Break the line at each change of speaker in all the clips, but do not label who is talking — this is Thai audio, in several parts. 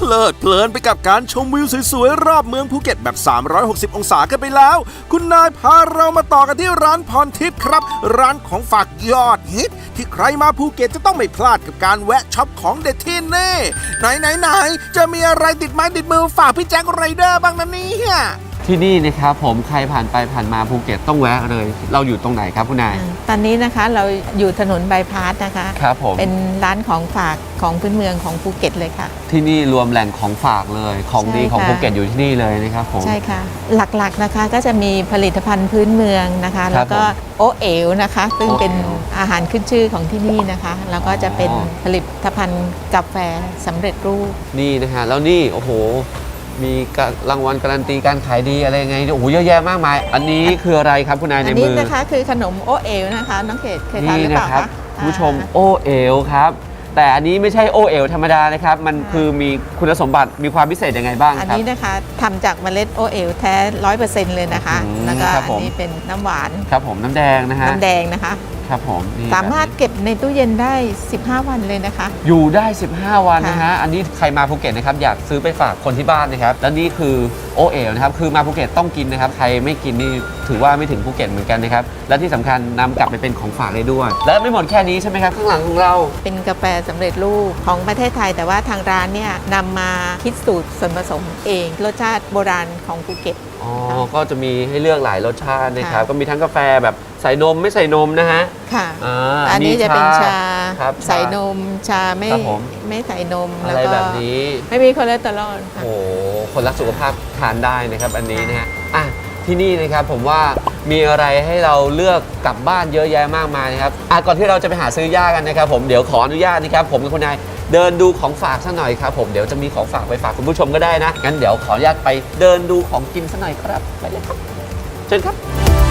ลิดเพลินไปกับการชมวิวสวยๆรอบเมืองภูเก็ตแบบ 360 องศากันไปแล้วคุณนายพาเรามาต่อกันที่ร้านพรทิพย์ครับร้านของฝากยอดฮิตที่ใครมาภูเก็ตจะต้องไม่พลาดกับการแวะช็อปของเด็ดที่นี่ไหนจะมีอะไรติดไม้ติดมือฝากพี่แจ็คไรเดอร์บ้างนะเนี่ย
ที่นี่นะครับผมใครผ่านไปผ่านมาภูเก็ตต้องแวะเลยเราอยู่ตรงไหนครับคุณนาย
ตอนนี้นะคะเราอยู่ถนนบายพาสนะคะ
ครับผม
เป็นร้านของฝากของพื้นเมืองของภูเก็ตเลยค่ะ
ที่นี่รวมแหล่งของฝากเลยของดีของภูเก็ตอยู่ที่นี่เลยนะครับผม
ใช่ค่ะหลักๆนะคะก็จะมีผลิตภัณฑ์พื้นเมืองนะคะแล้วก็โอเอ๋วนะคะซึ่งเป็นอาหารขึ้นชื่อของที่นี่นะคะแล้วก็จะเป็นผลิตภัณฑ์กาแฟสำเร็จรูป
นี่นะฮะแล้วนี่โอ้โหมีรางวัลการันตีการขายดีอะไรไงโอ้โหเยอะแยะมากมายอันนี้คืออะไรครับคุณนายในมืออัน
นี้นะคะคือขนมโอเอ๋วนะคะน้องเขตเคยทานหรือเปล่าคะ
คุณผู้ชมโอเอ๋วครับแต่อันนี้ไม่ใช่โอเอ๋วธรรมดานะครับมันคือมีคุณสมบัติมีความพิเศษยังไงบ้างครับ
อันนี้นะคะทำจากเมล็ดโอเอ๋วแท้ 100% เลยนะคะแล้วก็อันนี้เป็นน้ำหวาน
ครับผมน้ำแดงนะฮะ
น้ำแดงนะคะ
ครับผม
สามารถเก็บในตู้เย็นได้15 วันเลยนะคะ
อยู่ได้15 วันนะฮะอันนี้ใครมาภูเก็ตนะครับอยากซื้อไปฝากคนที่บ้านนะครับแล้วนี่คือโอเอ๋วนะครับคือมาภูเก็ตต้องกินนะครับใครไม่กินนี่ถือว่าไม่ถึงภูเก็ตเหมือนกันนะครับและที่สำคัญนำกลับไปเป็นของฝากได้ด้วยและไม่หมดแค่นี้ใช่ไหมครับข้างหลังของเรา
เป็นกาแฟสำเร็จรูปของประเทศไทยแต่ว่าทางร้านเนี่ยนำมาคิดสูตรส่วนผสมเองรสชาติโบราณของภูเก็ต
อ๋อก็จะมีให้เลือกหลายรสชาตินะครับก็มีทั้งกาแฟแบบใส่นมไม่ใส่นมนะฮะ
ค่ะอันนี้จะเป็นชาใส่นมชาไม่ใส่นม
อะไรแบบนี้
ไม่มีคอเลสเตอรอล
โอ้คนรักสุขภาพทานได้นะครับอันนี้นะฮะที่นี่นะครับผมว่ามีอะไรให้เราเลือกกลับบ้านเยอะแยะมากมายนะครับก่อนที่เราจะไปหาซื้อย่ากันนะครับผมเดี๋ยวขออนุญาตนะครับผมกับคุณนายเดินดูของฝากสักหน่อยครับผมเดี๋ยวจะมีของฝากไปฝากคุณผู้ชมก็ได้นะงั้นเดี๋ยวขออนุญาตไปเดินดูของกินสักหน่อยครับไปเลยครับเชิญครับ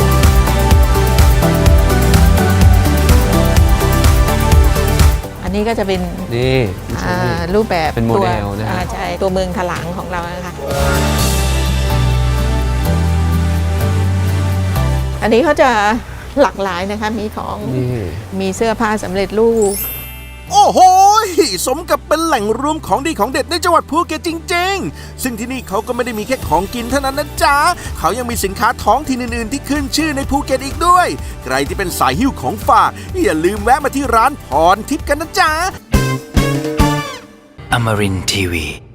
อันนี้ก็จะเป็น
นี่
รูปแบบ
เป็นโมเดลนะ
ใช่ตัวเมืองถลังของเรานะคะอันนี้เขาจะหลากหลายนะคะมีของมีเสื้อผ้าสำเร็จรูป
โอ้โหสมกับเป็นแหล่งรวมของดีของเด็ดในจังหวัดภูเก็ตจริงๆซึ่งที่นี่เขาก็ไม่ได้มีแค่ของกินเท่านั้นนะจ๊ะเขายังมีสินค้าท้องถิ่นอื่นๆที่ขึ้นชื่อในภูเก็ตอีกด้วยใครที่เป็นสายหิ้วของฝากอย่าลืมแวะมาที่ร้านพรทิพย์กันนะจ๊ะ
Amarin Tiwi